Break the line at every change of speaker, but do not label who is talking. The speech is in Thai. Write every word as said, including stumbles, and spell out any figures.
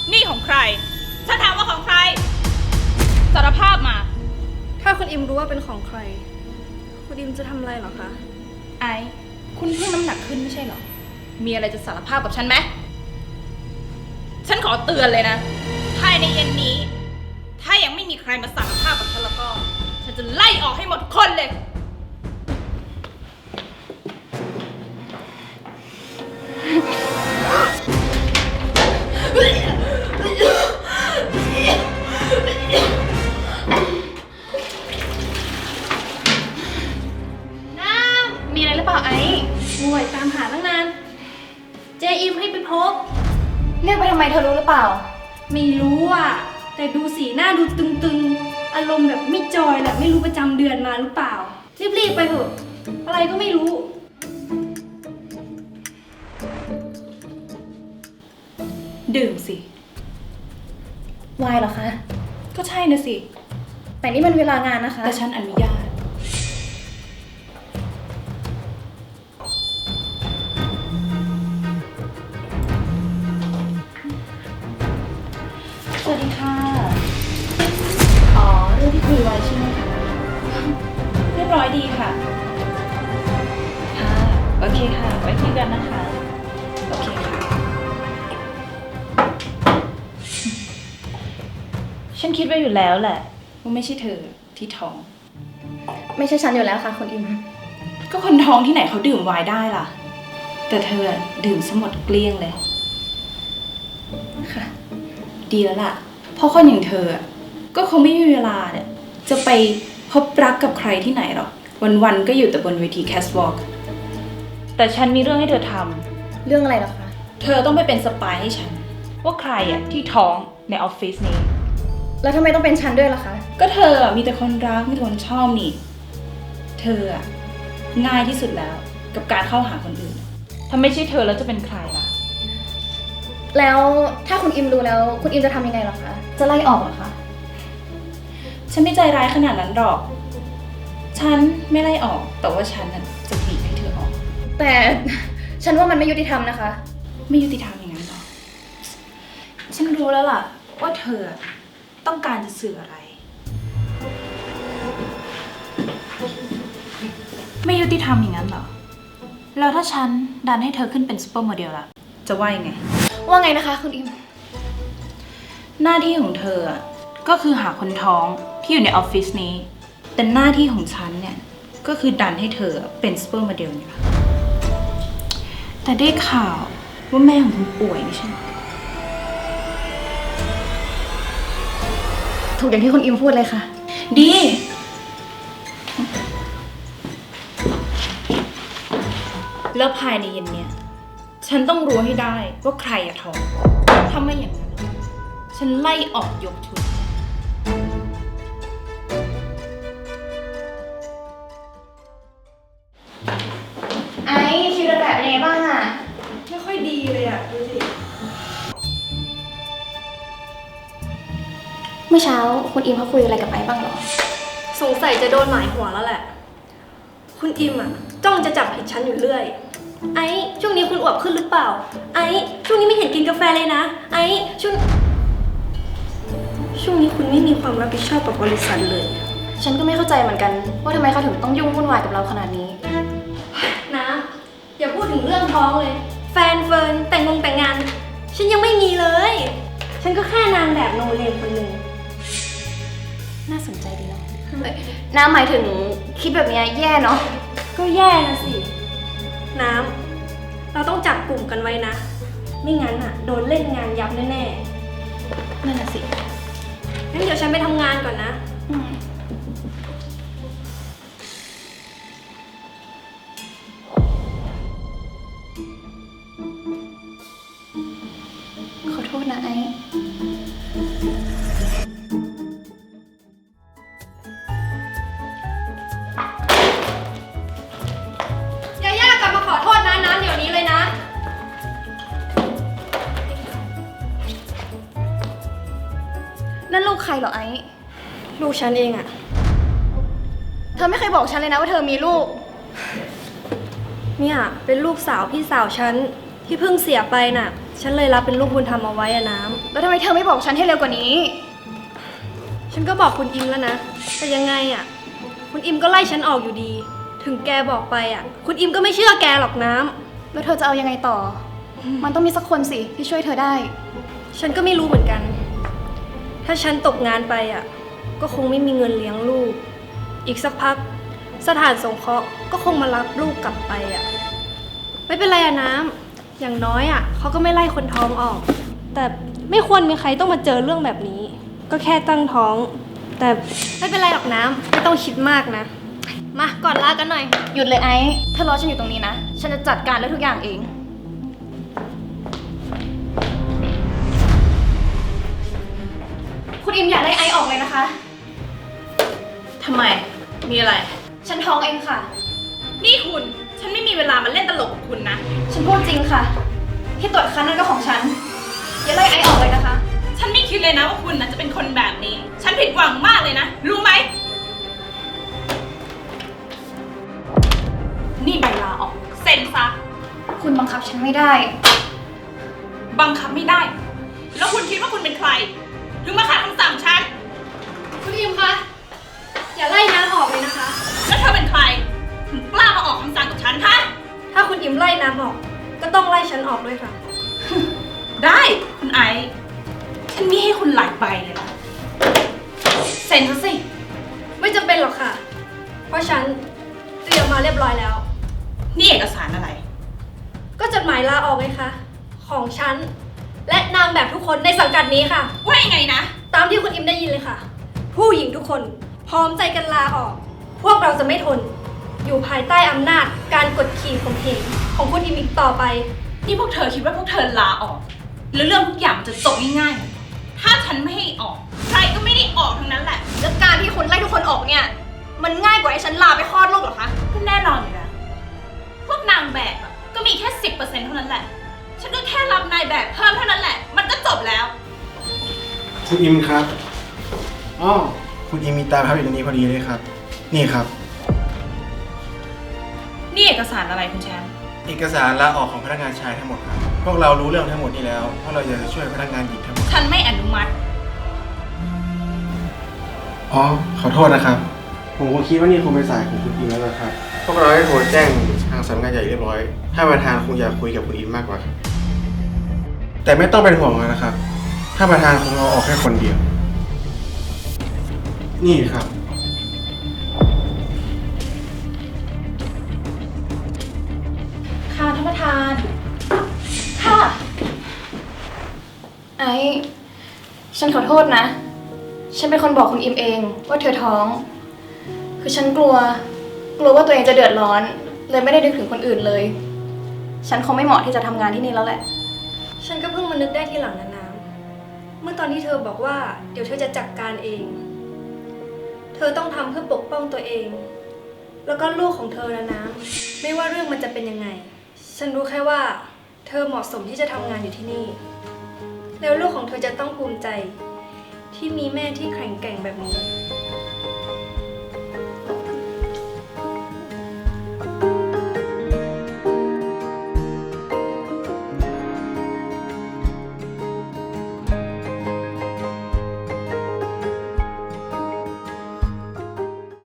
นี่ของใครฉันถามว่าของใครสารภาพมา
ถ้าคุณอิมรู้ว่าเป็นของใครคุณอิมจะทำอะไรเหรอคะ
ไอคุณเพิ่งน้ำหนักขึ้นไม่ใช่เหรอมีอะไรจะสารภาพกับฉันไหมฉันขอเตือนเลยนะภายในเย็นนี้ถ้ายังไม่มีใครมาสารภาพกับฉันแล้วก็ฉันจะไล่ออกให้หมดคนเลย
น้ำมีอะไรหรือเปล่าไอ้ห่วยตามหาตั้งนานเจอิมให้ไปพบเรียกไปทำไมเธอรู้หรือเปล่าไม่รู้อ่ะแต่ดูสีหน้าดูตึงๆอารมณ์แบบไม่จอยแหละไม่รู้ประจำเดือนมาหรือเปล่ารีบๆไปเถอะอะไรก็ไม่รู้
ดื่มสิ
วายเหรอคะ
ก็ใช่นะสิ
แต่นี่มันเวลางานนะคะ
แต่ฉันอนุญาตสวัสดีค่ะอ๋อเรื่องที่คุยไว้ใช่ไหมคะเรียบร้อยดีค่ะค่ะโอเคค่ะไว้คุยกันนะคะโอเคค่ะฉันคิดไว้อยู่แล้วแหละว่าไม่ใช่เธอที่ท้อง
ไม่ใช่ฉันอยู่แล้วค่ะคุณอิม
ก็คนท้องที่ไหนเขาดื่มไวน์ได้ล่ะแต่เธอดื่มซะหมดเกลี้ยงเลย
ค่ะ
ดีแล้วล่ะเพราะคนอย่างเธอก็คงไม่มีเวลาเนี่ยจะไปพบรักกับใครที่ไหนหรอกวันๆก็อยู่แต่บนเวทีแคสวอล์กแต่ฉันมีเรื่องให้เธอทำ
เรื่องอะไรหรอคะ
เธอต้องไปเป็นสปายให้ฉันว่าใครอ่ะที่ท้องในออฟฟิศนี้
แล้วทำไมต้องเป็นฉันด้วยล่ะคะ
ก็เธอมีแต่คนรักมีแต่คนชอบนี่เธออ่ะง่ายที่สุดแล้วกับการเข้าหาคนอื่นถ้าไม่ใช่เธอแล้วจะเป็นใครล่ะ
แล้วถ้าคุณอิมรู้แล้วคุณอิมจะทำยังไงหรอคะจะไล่ออกเหรอคะ
ฉันไม่ใจร้ายขนาดนั้นหรอกฉันไม่ไล่ออกแต่ว่าฉันน่ะจะบีบให้เธอออก
แต่ฉันว่ามันไม่ยุติธรรมนะคะ
ไม่ยุติธรรมอย่างนั้นหรอฉันรู้แล้วล่ะว่าเธอต้องการจะสื่ออะไรไม่ยุติธรรมอย่างนั้นหรอแล้วถ้าฉันดันให้เธอขึ้นเป็นซุปเปอร์โมเดลล่ะจะว่ายังไง
ว่าไงนะคะคุณอิม
หน้าที่ของเธอก็คือหาคนท้องที่อยู่ในออฟฟิศนี้แต่หน้าที่ของฉันเนี่ยก็คือดันให้เธอเป็นซุปเปอร์โมเดลนี่แหละแต่ได้ข่าวว่าแม่ของคุณป่วยไม่ใช่หรอ
ถูกอย่างที่คุณอิมพูดเลยค่ะ
ดีแล้วภายในเย็นเนี้ยฉันต้องรู้ให้ได้ว่าใครอะท้องถ้าไม่อย่างนั้นฉันไล่ออกยกชุด
ไอ้คิวระดับเป็นไงบ้างอะ
ไม่ค่อยดีเลยอะดูสิ
เมื่อเช้าคุณอิมเขาคุยอะไรกับไอ้บ้างเหรอ
สงสัยจะโดนหมายหัวแล้วแหละคุณอิมอ่ะจ้องจะจับผิดฉันอยู่เรื่อยไอ้ช่วงนี้คุณอวบขึ้นหรือเปล่าไอ้ช่วงนี้ไม่เห็นกินกาแฟเลยนะไอ้ช่วงช่วงนี้คุณไม่มีความรับผิดชอบกับบริษัทเลย
ฉันก็ไม่เข้าใจเหมือนกันว่าทำไมเขาถึงต้องยุ่งวุ่นวายกับเราขนาดนี้
นะอย่าพูดถึงเรื่องท้องเลยแฟนเฟิร์นแต่งงงแต่งงานฉันยังไม่มีเลยฉันก็แค่นางแบบโนเลมคนหนึ่ง
น่าสนใจดีเนาะน้ำหมายถึงคิดแบบนี้แย่เนาะ
ก็แย่นะสิน้ำเราต้องจับกลุ่มกันไว้นะไม่งั้นอ่ะโดนเล่นงานยับแน่ๆ
นั่นน่ะสิ
งั้นเดี๋ยวฉันไปทำงานก่อนนะ
ขอโทษนะไอ้นั่นลูกใครเหรอไอ้
ลูกฉันเองอะ
เธอไม่เคยบอกฉันเลยนะว่าเธอมีลูก
เนี่ยเป็นลูกสาวพี่สาวฉันที่เพิ่งเสียไปน่ะฉันเลยรับเป็นลูกบุญธรรมเอาไว้อะน้ำ
แล้วทำไมเธอไม่บอกฉันให้เร็วกว่านี้
ฉันก็บอกคุณอิมแล้วนะ แต่ยังไงอะคุณอิมก็ไล่ฉันออกอยู่ดี ถึงแกบอกไปอะคุณอิมก็ไม่เชื่อแกหรอกน้ำ
แล้วเธอจะเอายังไงต่อ มันต้องมีสักคนสิที่ช่วยเธอได้
ฉันก็ไม่รู้เหมือนกัน ถ้าฉันตกงานไปอ่ะ ก็คงไม่มีเงินเลี้ยงลูก อีกสักพัก สถานสงเคราะห์ก็คงมารับลูกกลับไปอ่ะ ไม่เป็นไรอะน้ำ อย่างน้อยอ่ะเขาก็ไม่ไล่คนท้องออก แต่ไม่ควรมีใครต้องมาเจอเรื่องแบบนี้ ก็แค่ตั้งท้อง แต่ไม่เป็นไรหรอกน้ำ ไม่ต้องคิดมากนะ มาก่อนลากันหน่อย
หยุดเลยไอ้เธอรอฉันอยู่ตรงนี้นะ ฉันจะจัดการเรื่องทุกอย่างเอง คุณอิมอย่าไล่ไอซ์ออกเลยนะคะ
ทำไม มีอะไร
ฉันท้องเองค่ะ
นี่คุณ ฉันไม่มีเวลามาเล่นตลกกับคุณนะ
ฉันพูดจริงค่ะ ที่ตรวจคันนั่นก็ของฉัน อย่าไล่ไอซ์ออกเลยนะคะ
ฉันไม่คิดเลยนะว่าคุณนะจะเป็นคนแบบนี้ ฉันผิดหวังมากเลยนะ รู้ไหม นี่ใบลาออก เซ็นซะ
คุณบังคับฉันไม่ได้
บังคับไม่ได้ แล้วคุณคิดว่าคุณเป็นใคร ถึงมาขัดคำสั่งฉัน
คุณอิมคะ อย่าไล่น้ำออกเลยนะคะ
แล้วเธอเป็นใคร ถึงกล้ามาออกคำสั่งกับฉันฮะ
ถ้าคุณอิมไล่น้ำออก ก็ต้องไล่ฉันออกด้วยค่ะ
ได้คุณไอซ์ฉันมีให้คุณหลายใบเลยนะเซ็นซะสิ
ไม่จำเป็นหรอกค่ะ เพราะฉันเตรียมมาเรียบร้อยแล้ว
นี่เอกสารอะไร
ก็จดหมายลาออกไงคะ ของฉัน และนางแบบทุกคนในสังกัดนี้ค่ะ
ว่ายังไงนะ
ตามที่คุณอิมได้ยินเลยค่ะ ผู้หญิงทุกคนพร้อมใจกันลาออก พวกเราจะไม่ทน อยู่ภายใต้อำนาจการกดขี่ข่มเหงของคุณอิมอีกต่อไป
นี่พวกเธอคิดว่าพวกเธอลาออก แล้วเรื่องทุกอย่างมันจะจบง่ายๆเหรอถ้าฉันไม่ให้ออก ใครก็ไม่ได้ออกทั้งนั้นแหละ
แล้วการที่คุณไล่ทุกคนออกเนี่ย มันง่ายกว่าให้ฉันลาไปคลอดลูกเหรอคะ
ก็แน่นอนอยู่แล้วพวกนางแบบอะก็มีแค่สิบเปอร์เซ็นต์เท่านั้นแหละ ฉันก็แค่รับนายแบบเพิ่มเท่านั้นแหละ มันก็จบแล้ว
คุณอิมครับอ๋อคุณอิมมีตาพับอยู่ตรงนี้พอดีเลยครับ นี่ครับ
นี่เอกสารอะไรคุณแชมป์
เอกสารลาออกของพนักงานชายทั้งหมดครับ พวกเรารู้เรื่องทั้งหมดนี้แล้วเพราะเราจะช่วยพนักงานหญิงทั้งหมด
ฉันไม่อนุมัติ
อ๋อ ขอโทษนะครับ ผมก็คิดว่านี่คงเป็นสายของคุณอิมแล้วนะครับ พวกเราได้โทรแจ้งทางสำนักงานใหญ่เรียบร้อย ถ้าประธานคงอยากคุยกับคุณอิมมากกว่าครับ แต่ไม่ต้องเป็นห่วงนะครับ ถ้าประธานคงเอาออกแค่คนเดียว นี่ครับ
ค่ะท่านประธาน ค่ะ ไอ้ ฉันขอโทษนะ ฉันเป็นคนบอกคุณอิมเองว่าเธอท้อง คือฉันกลัว กลัวว่าตัวเองจะเดือดร้อน เลยไม่ได้นึกถึงคนอื่นเลย ฉันคงไม่เหมาะที่จะทำงานที่นี่แล้วแหละ
ฉันก็เพิ่งมานึกได้ทีหลังนะน้ำเมื่อตอนที่เธอบอกว่าเดี๋ยวเธอจะจัดการเอง เธอต้องทำเพื่อปกป้องตัวเอง แล้วก็ลูกของเธอนะน้ำไม่ว่าเรื่องมันจะเป็นยังไง ฉันรู้แค่ว่า เธอเหมาะสมที่จะทำงานอยู่ที่นี่ แล้วลูกของเธอจะต้องภูมิใจ ที่มีแม่ที่แข็งแกร่งแบบนี้